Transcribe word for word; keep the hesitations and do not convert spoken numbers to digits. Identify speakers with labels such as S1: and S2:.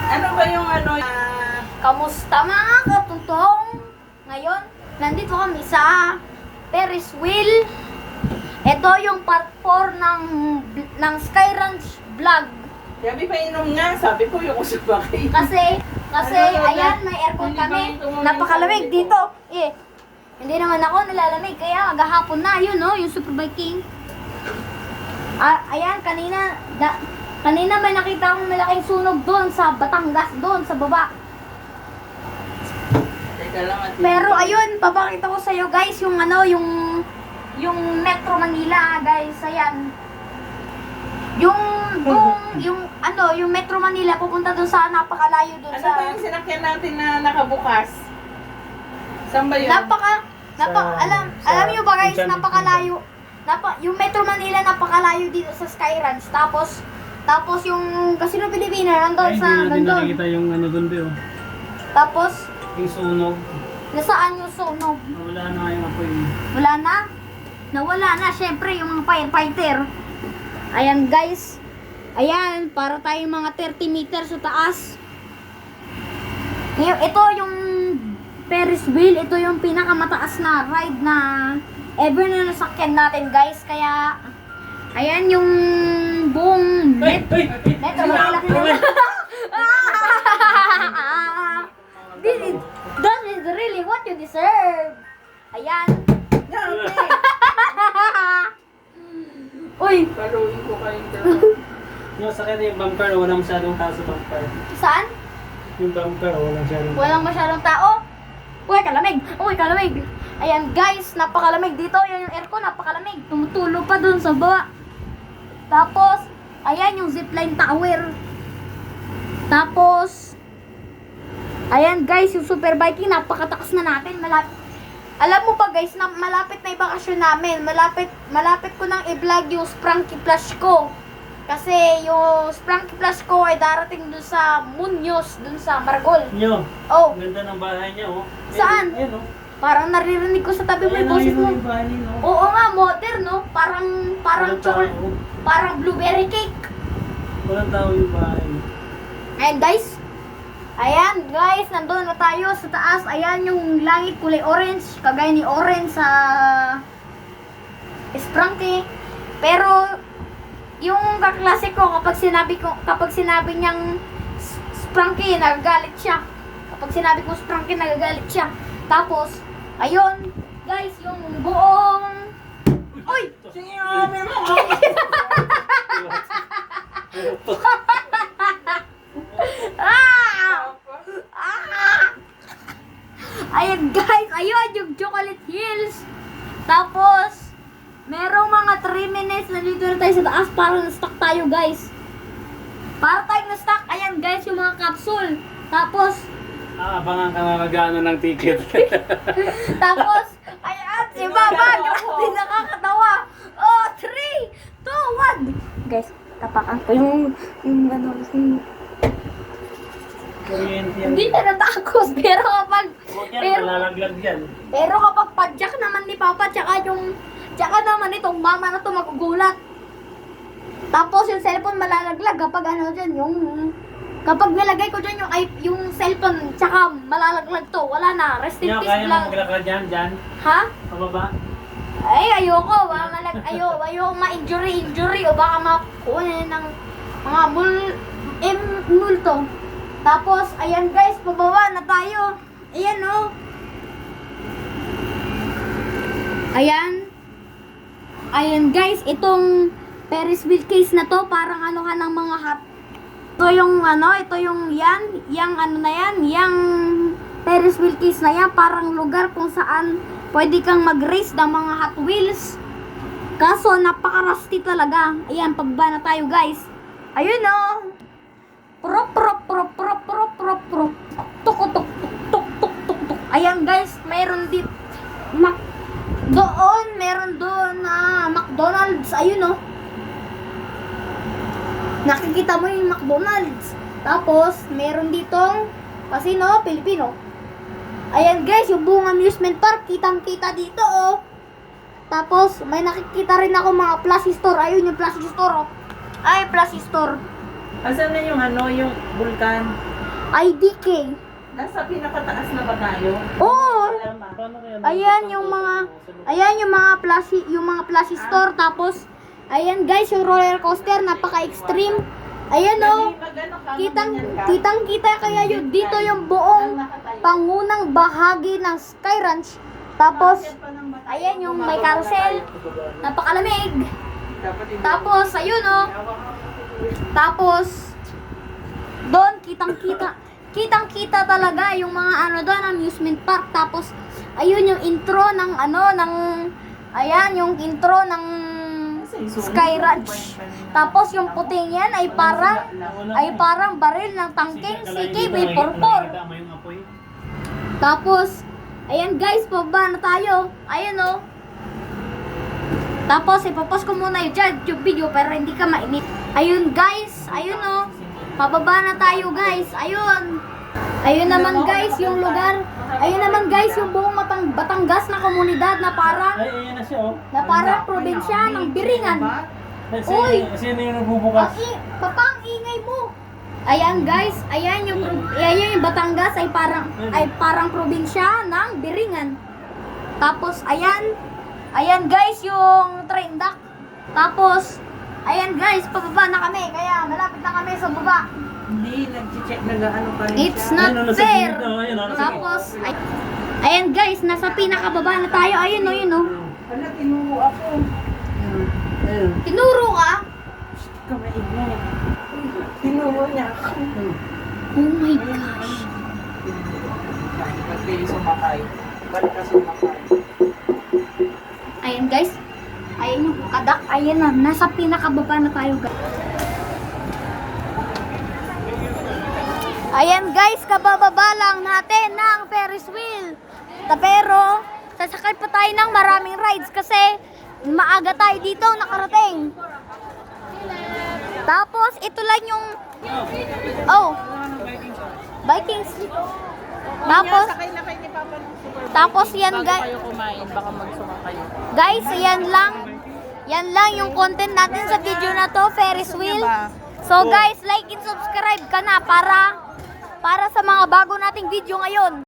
S1: Ano ba yung ano? ah,
S2: Kamusta mga katutong? Ngayon, nandito kami sa Ferris wheel. Ito yung part four ng, ng Sky Ranch vlog.
S1: Sabi pa inom nga, sabi ko yung usapakay.
S2: Kasi, kasi,
S1: Ano, ano,
S2: ayan,
S1: ano?
S2: may aircon
S1: Hindi
S2: kami.
S1: ba ito mo
S2: Napakalamig
S1: minsan
S2: dito. Eh, hindi naman ako nilalamig. Kaya maghahapon na, yun no, yung Super Viking. Ah, ayan, kanina, da, kanina may nakita akong malaking sunog doon sa Batangas, doon sa baba.
S1: Teka lang at
S2: Pero ayun, papakita ko sa iyo guys yung ano, yung yung Metro Manila, guys. Ayan. Yung kung yung ano, yung Metro Manila pupunta doon sa napakalayo doon
S1: Ano
S2: sa
S1: ba yung sinakyan natin na nakabukas? Saan ba yun?
S2: napaka napa
S3: Sa-
S2: alam
S3: sa
S2: alam niyo ba guys,
S3: Enchanted
S2: napakalayo. Napa, yung Metro Manila napakalayo dito sa Sky Ranch. Tapos tapos yung Casino Pilipina
S3: Ay,
S2: nandoon
S3: hindi
S2: sa
S3: natin
S2: nandoon.
S3: nakikita yung ano doon, Bio.
S2: Tapos
S3: Yung sunog.
S2: nasaan yung sunog?
S3: Wala na yung apoy.
S2: Wala na? Nawala na, syempre, yung mga firefighter. Ayan, guys. Ayan, para tayong mga thirty meters sa taas. Ngayon, ito yung Ferris wheel. Ito yung pinakamataas na ride na ever na nasakyan natin, guys. Kaya, ayan yung buong
S3: Ay!
S2: net.
S3: Ay!
S2: Metro Manila. This is, that is really what you deserve. Ayan.
S1: Yeah, okay.
S2: Uy,
S1: Paluin ko kayong dalawa.
S3: Yung sakyan yung bumper, walang masyadong tao sa bumper.
S2: saan?
S3: Yung bumper, walang masyadong tao.
S2: Walang masyadong tao. Uy, kalamig. Uy, kalamig. Ayan, guys, napakalamig dito. Yan yung aircon, napakalamig. Tumutulo pa dun sa baba. Tapos, ayan yung zipline tower. Tapos, ayan guys, yung Super Viking, napakatakas na natin. Malapit. Alam mo ba guys, na malapit na yung bakasyon namin. Malapit, malapit ko nang i-vlog yung Spranky Flash ko. Kasi yung Spranky Flash ko ay darating dun sa Muñoz, dun sa Margol.
S3: Nyo,
S2: Oh,
S3: ang ganda ng bahay niya, oh.
S2: Saan?
S3: Ayun, oh.
S2: parang naririnig ko sa tabi mo yung
S3: Ayun,
S2: boses
S3: ayun,
S2: mo.
S3: yung bahay niya, oh.
S2: Oo nga, modern no? Parang, parang
S3: Walang tao,
S2: chocolate,
S3: oh.
S2: parang blueberry cake.
S3: Walang tao yung bahay.
S2: Ayan guys. Ayan guys, nandun na tayo sa taas. Ayan yung langit kulay orange. Kagaya ni orange sa Spranky. Pero yung kaklase ko kapag sinabi ko kapag sinabi niyang S- Spranky, nagagalit siya. Kapag sinabi ko Spranky, nagagalit siya. Tapos, ayun, guys, yung buong Uy!
S1: Sige, mami mo.
S2: Ah! Ah! Ayan guys, ayun yung Chocolate Hills. Tapos, merong mga three minutes na dito na tayo sa taas. Parang na-stuck tayo guys. Para tayo na-stuck. Ayan guys, yung mga capsule. Tapos,
S3: Ah, abangan ka nga magano ng ticket.
S2: tapos, ayan, si Baba, yung nakakatawa. Oh, three, two, one. Guys, tapakan ko yung, yung ano, yung,
S3: Kuryente yan.
S2: hindi na natakos. Pero kapag,
S3: Huwag yan,
S2: pero,
S3: malalaglag yan.
S2: Pero kapag padyak naman ni Papa, tsaka yung, tsaka naman itong mama na to magugulat. Tapos yung cellphone malalaglag kapag ano dyan, yung, kapag nilagay ko dyan yung, ay, yung cellphone, tsaka malalaglag to, wala na, rest in
S3: Nyo,
S2: peace
S3: kaya mo
S2: lang.
S3: maglakad yan, dyan.
S2: Ha?
S3: Pababa.
S2: Ay, ayoko, baka malag, ayo, ayoko ma-injury, injury, o baka makunin ng mga mul, em, multo. Tapos, ayan guys, pababa na tayo. Ayan oh. Ayan. Ayan guys, itong Ferris wheel case na to, parang ano ka ng mga hot. Ito yung ano, ito yung yan, yang ano na yan, yang Ferris wheel case na yan, parang lugar kung saan pwede kang mag-race ng mga Hot Wheels. Kaso, napaka-rusty talaga. Ayan, pagbaba na tayo guys. Ayun oh. Prop, prop, prop, prop, prop, prop, prop. Tuk, tuk, tuk, tuk, tuk, tuk, tuk. Ayan guys, mayroon dit Mac doon, meron doon na McDonald's. Ayun oh. Nakikita mo yung McDonald's. Tapos, meron ditong Casino Pilipino. Ayan guys, yung buong amusement park, kitang-kita dito oh. Tapos, may nakikita rin ako mga plushie store. Ayun yung plushie store oh. Ay, plushie store.
S1: Asan na yung ano, yung vulkan?
S2: I D K.
S1: Nasa pinakataas na ba tayo?
S2: Oo.
S1: Alam ah.
S3: Paano kaya?
S2: Ayan yung mga ayan yung mga plushie, yung mga plushie store tapos ayan guys yung roller coaster napaka-extreme. Ayan oh. Kitang kitang kita kaya yun dito yung buong pangunang bahagi ng Sky Ranch. Tapos ayan yung may carousel. Napakalamig. Tapos ayun oh. Tapos doon kitang-kita kitang-kita talaga yung mga ano doon amusement park. Tapos ayun yung intro ng ano ng ayan yung intro ng Sky Ranch. Tapos yung puting yan ay parang ay parang baril ng tangkeng C K B forty-four. Tapos ayan guys, pababa na tayo. Ayun oh. Tapos ipopost ko muna yung YouTube video para hindi ka mainit. Ayun guys, ayun oh. Pababa na tayo guys. Ayun. Ayun naman guys yung lugar. Ayun naman guys yung buong Matang Batangas na komunidad na parang
S3: Ay, ayan na siya, oh.
S2: na parang probinsya ng Biringan.
S3: Ay,
S2: Uy!
S3: Sino yung nagbubukas?
S2: Ang i- papang ingay mo. Ayan guys, ayan yung pro- ayan yung Batangas ay parang ay parang probinsya ng Biringan. Tapos ayan, ayan guys yung train dock. Tapos ayan guys, pababa na kami kaya malapit na kami sa baba.
S1: Hindi, nag-check, nag-ano pa rin
S2: It's
S1: siya.
S2: not
S3: Ayun, nasa
S2: fair.
S3: gilid, oh, ayun, oh, nasa
S2: Tapos ay, ayan guys, nasa pinakababa na tayo. Ayun oh, yun oh.
S1: Wala, tinuro ako.
S3: Ayun.
S2: Tinuro ka?
S1: Kamaig mo. Tinuro niya ako.
S2: Oh my gosh.
S1: Ba't kayo sumakay? Ba't ka sumakay?
S2: Ayan guys. Ayan yung kadak. Ayan na. Nasa pinakababa na tayo guys. Ayan guys, kabababa lang natin ng Ferris wheel. Ta- Pero, sasakay pa tayo ng maraming rides kasi maaga tayo dito nakarating. Tapos, ito lang yung... Oh, Vikings. Tapos,
S1: Sakay na kayo ni Papa ng super.
S2: tapos yan
S1: Bago
S2: guys.
S1: kayo kumain, baka magsuma kayo.
S2: Guys, yan lang. Yan lang yung content natin sa video na to, Ferris wheel. So guys, like and subscribe ka na para para sa mga bago nating video ngayon.